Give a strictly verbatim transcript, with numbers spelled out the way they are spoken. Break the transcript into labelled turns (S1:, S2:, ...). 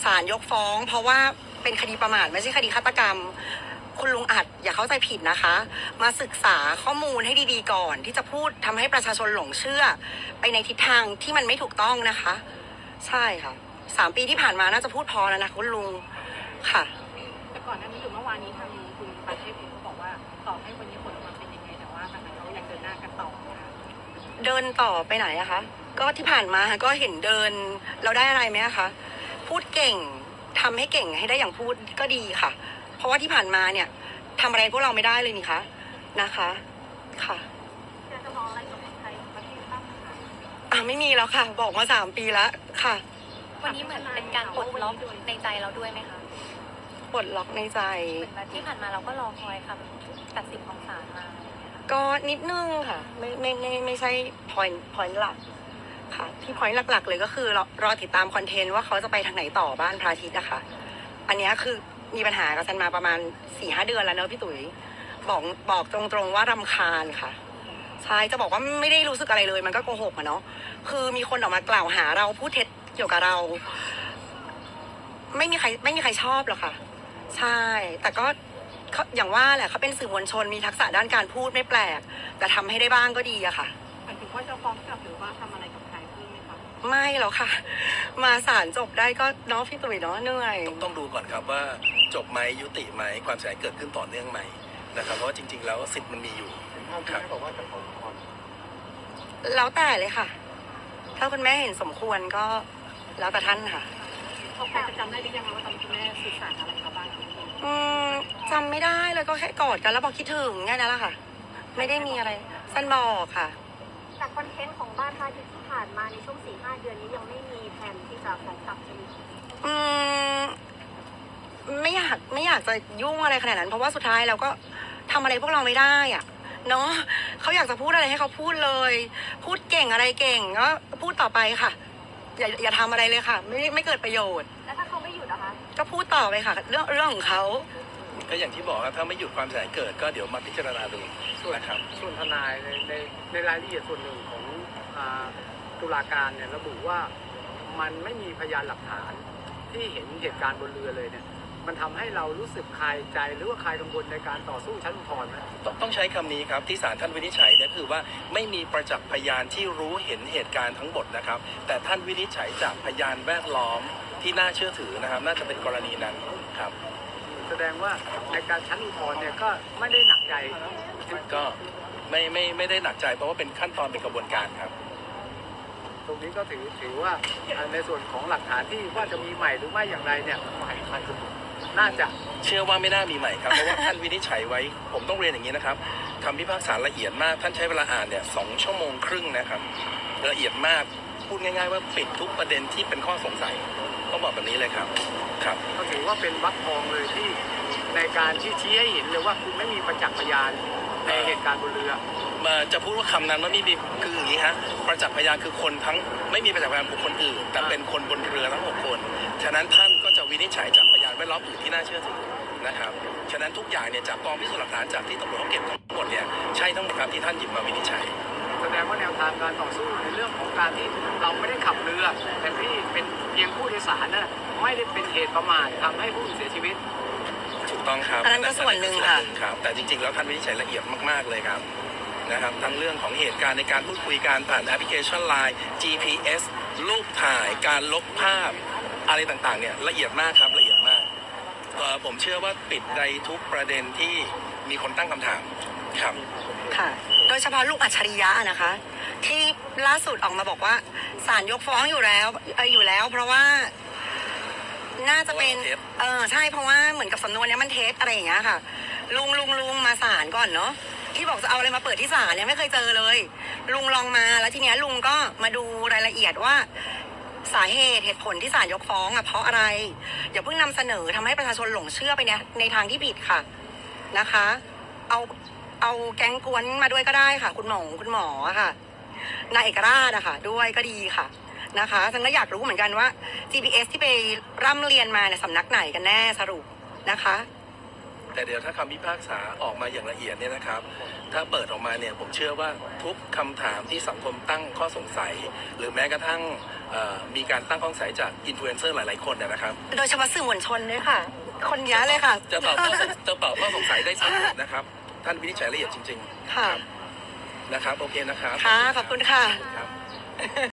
S1: ศาลยกฟ้องเพราะว่าเป็นคดีประมาทไม่ใช่คดีฆาตกรรมคุณลุงอัดอย่าเข้าใจผิดนะคะมาศึกษาข้อมูลให้ดีๆก่อนที่จะพูดทำให้ประชาชนหลงเชื่อไปในทิศทางที่มันไม่ถูกต้องนะคะใช่ค่ะสามปีที่ผ่านมาน่าจะพูดพอแล้วนะคุณลุงค่ะ
S2: แต่ก่อนหน้านี้หรือเมื่อวานนี้ทางคุณประเทศเองเขาบอกว่าต่อให้วันนี้ผลออกมาเป็นยังไงแต่ว่าทางนั้นเขายังเดินหน้ากันต่อนะคะ
S1: เดินต่อไปไหนอะคะก็ที่ผ่านมาก็เห็นเดินเราได้อะไรไหมคะพูดเก่งทำให้เก่งให้ได้อย่างพูดก็ดีค่ะเพราะว่าที่ผ่านมาเนี่ยทำอะไรพวกเราไม่ได้เลยนี่คะนะคะค่ะ
S2: จะจะมองอะไรกับไทยประเทศบ้างคะ
S1: อ่ะไม่มีแล้วค่ะบอกมาสามปีแล้วค่ะ
S3: วันนี้เหมือนเป็นการปลดล็อกในใจเราด้วยไหมคะ
S1: ปลดล็อกในใจ
S3: ที่ผ่านมาเราก็รอคอยคำตัดสินของศาลมา
S1: ก็นิดนึงค่ะไม่ไม่ไม่ไม่ใช่ point point หลักค่ะที่ point หลักๆเลยก็คือรอรอติดตามคอนเทนต์ว่าเขาจะไปทางไหนต่อบ้านพระอาทิตย์นะคะอันนี้คือมีปัญหากับซันมาประมาณสี่ห้าเดือนแล้วเนอะพี่ตุ๋ยบอกบอกตรงๆว่ารำคาญค่ะใช่จะบอกว่าไม่ได้รู้สึกอะไรเลยมันก็โกหกอะเนาะคือมีคนออกมากล่าวหาเราพูดเท็จเกี่ยวกับเราไม่มีใครไม่มีใครชอบหรอกค่ะใช่แต่ก็อย่างว่าแหละเขาเป็นสื่อมวลชนมีทักษะด้านการพูดไม่แปลกแต่ทำให้ได้บ้างก็ดีอะค่ะ
S2: หมายถึงว่าจะฟ้องกลับหรือว่าทำอะไรกับใครเพิ่มไหมคะ
S1: ไม่หรอกค่ะมาศาลจบได้ก็เนาะพี่ตุ๋ยเนาะเหนื่อย
S4: ต้องดูก่อนครับว่าจบไหมยุติไหมความเสียหายเกิดขึ้นต่อเนื่องไหมนะครับเพราะว่าจริงๆแล้วสิทธิ์มันมีอยู่ครับบอกว่าจะฟ้อง
S1: แล้วแต่เลยค่ะถ้าคุณแม่เห็นสมควรก็แล้วแต่ท่านค่ะ
S2: เขาใครจะจำได้หรือยังว่าตอนคุณแม่สื่อสารอะไรกับบ้าง
S1: อืมจำไม่ได้เลยก็แค่กอดกันแล้วบอกคิดถึงแค่นั้นแหละค่ะไม่ได้มีอะไรสั้นบอกค่ะ
S5: จากคอนเทนต์ของบ้านพระอาทิตย์ที่ผ่านมาในช่วงสี่ห้าเดือนนี้ยังไม่มีแผนที่จะฟ้องกลับใช่ไหม
S1: อืมไม่อยากไม่อยากจะยุ่งอะไรขนาดนั้นเพราะว่าสุดท้ายเราก็ทำอะไรพวกเราไม่ได้อ่ะเนาะเขาอยากจะพูดอะไรให้เขาพูดเลยพูดเก่งอะไรเก่งก็พูดต่อไปค่ะอย่าอย่าทำอะไรเลยค่ะไม่ไม่เกิดประโยชน์
S5: แล้วถ้าเขาไม่หยุดนะคะ
S1: ก็พูดต่อไปค่ะเรื่องเรื่องของเขา
S4: ก็อย่างที่บอกครับถ้าไม่หยุดความเสียหายเกิดก็เดี๋ยวมาพิจารณาดูนะครับ
S6: ส่วนทนายในในในรายละเอียดส่วนหนึ่งของตุลาการเนี่ยระบุว่ามันไม่มีพยานหลักฐานที่เห็นเหตุการณ์บนเรือเลยเนี่ยมันทำให้เรารู้สึกคลายใจหรือว่าคลายกังวลในการต่อสู้ชั้นอุทธรณ์ไหม
S4: ต้องต้องใช้คำนี้ครับที่ศาลท่านวินิจฉัยเนี่ยคือว่าไม่มีประจักษ์พยานที่รู้เห็นเหตุการณ์ทั้งหมดนะครับแต่ท่านวินิจฉัยจากพยานแวดล้อมที่น่าเชื่อถือนะครับน่าจะเป็นกรณีนั้นครับ
S6: แสดงว่าในการชั้นอุทธรณ์เนี่ยก็ไม่ได้หนักใจ
S4: ก็ไม่ไม่ไม่ได้หนักใจเพราะว่าเป็นขั้นตอนเป็นกระบวนการครับ
S6: ตรงนี้ก็ถือถือว่าในส่วนของหลักฐานที่ว่าจะมีใหม่หรือไม่อย่างไรเนี่ยน่าจะ
S4: เชื่อว่าไม่น่ามีใหม่ครับเพราะว่าท่านวินิจฉัยไว้ผมต้องเรียนอย่างนี้นะครับคำพิพากษาละเอียดมากท่านใช้เวลาอ่านเนี่ยสองชั่วโมงครึ่งนะครับละเอียดมากพูดง่ายๆว่าปิดทุกประเด็นที่เป็นข้อสงสัยต้องบอกแบบนี้เลยครับครับ
S6: ก็ถือว่าเป็นวรรคทองเลยที่ในการที่ชี้ให้เห็นเลยว่าคุณไม่มีประจักษ์พยานในเหตุการณ์บนเรือ
S4: มาจะพูดว่าคำนั้นว่าไม่มีคืออย่างนี้ฮะประจักษ์พยานคือคนทั้งไม่มีประจักษ์พยานบุคคลอื่นแต่เป็นคนบนเรือทั้งหกคนฉะนั้นท่านก็จะวินิจฉัยจากพยานแวดล้อมอื่นที่น่าเชื่อถือนะครับฉะนั้นทุกอย่างเนี่ยจากกองพิสูจน์หลักฐานจากที่ตำรวจเขาเก็บทั้งหมดเนี่ยใช่ทั้งหมดครับที่ท่านหยิบมาวินิจฉัย
S6: แสดงว่าแนวทางการต่อสู้ในเรื่องของการที่เราไม่ได้ขับเรือแต่ที่เป็นเพียงผู้โดยสารน่ะไม่ได้เป็นเหตุประมาททำให้ผู้อื่นเสียชีวิต
S4: ถูกต้องครับ
S1: อันนั้นก็ส่วนหนึ่งค่ะ
S4: ครับแต่จริงๆแล้วท่านวินิจฉัยละเอียดมากๆเลยครับนะครับทั้งเรื่องของเหตุการณ์ในการพูดคุยการผ่านแอปพลิเคชัน ไลน์ จี พี เอส รูปถ่ายการลบภาพอะไรต่างๆเนี่ยละเอียดมากครับละเอียดมากผมเชื่อว่าปิดในทุกประเด็นที่มีคนตั้งคำถามครับ
S1: ค่ะโดยเฉพาะลูกอัจฉริยะนะคะที่ล่าสุดออกมาบอกว่าศาลยกฟ้องอยู่แล้วเอออยู่แล้วเพราะว่าน่าจะเป็นเออใช่เพราะว่าเหมือนกับสำนวนนี้มันเท็จอะไรอย่างเงี้ยค่ะลุงลุงลุงมาศาลก่อนเนาะที่บอกจะเอาอะไรมาเปิดที่ศาลเนี่ยไม่เคยเจอเลยลุงลองมาแล้วทีเนี้ยลุงก็มาดูรายละเอียดว่าสาเหตุเหตุผลที่ศาลยกฟ้องอ่ะเพราะอะไรอย่าเพิ่งนำเสนอทำให้ประชาชนหลงเชื่อไปในในทางที่ผิดค่ะนะคะเอาเอาแก๊งกวนมาด้วยก็ได้ค่ะคุณหมอคุณหมอค่ะนายเอกราชอะค่ะด้วยก็ดีค่ะนะคะฉันก็อยากรู้เหมือนกันว่า จี พี เอส ที่ไปร่ำเรียนมาเนี่ยสำนักไหนกันแน่สรุปนะคะ
S4: แต่เดี๋ยวถ้าคำพิพากษาออกมาอย่างละเอียดเนี่ยนะครับ ถ้าเปิดออกมาเนี่ยผมเชื่อว่าทุกคำถามที่สังคมตั้งข้อสงสัย หรือแม้กระทั่งเอ่อมีการตั้งข้อสงสัยจากอินฟลูเอนเซอร์หลายๆคนนะครับ
S1: โดยเฉพาะสื่อมวลชนด้วยค่ะ คนเยอะเลยค่ะ
S4: จะตอบข้อสงจะตอบข้อสงสัยได้ชัดนะครับ ท่านวินิจฉัยละเอียดจริงๆ
S1: ค่ะ
S4: นะครับ โอเคนะครับ
S1: ค่ะ ขอบคุณค่ะ
S4: ครับ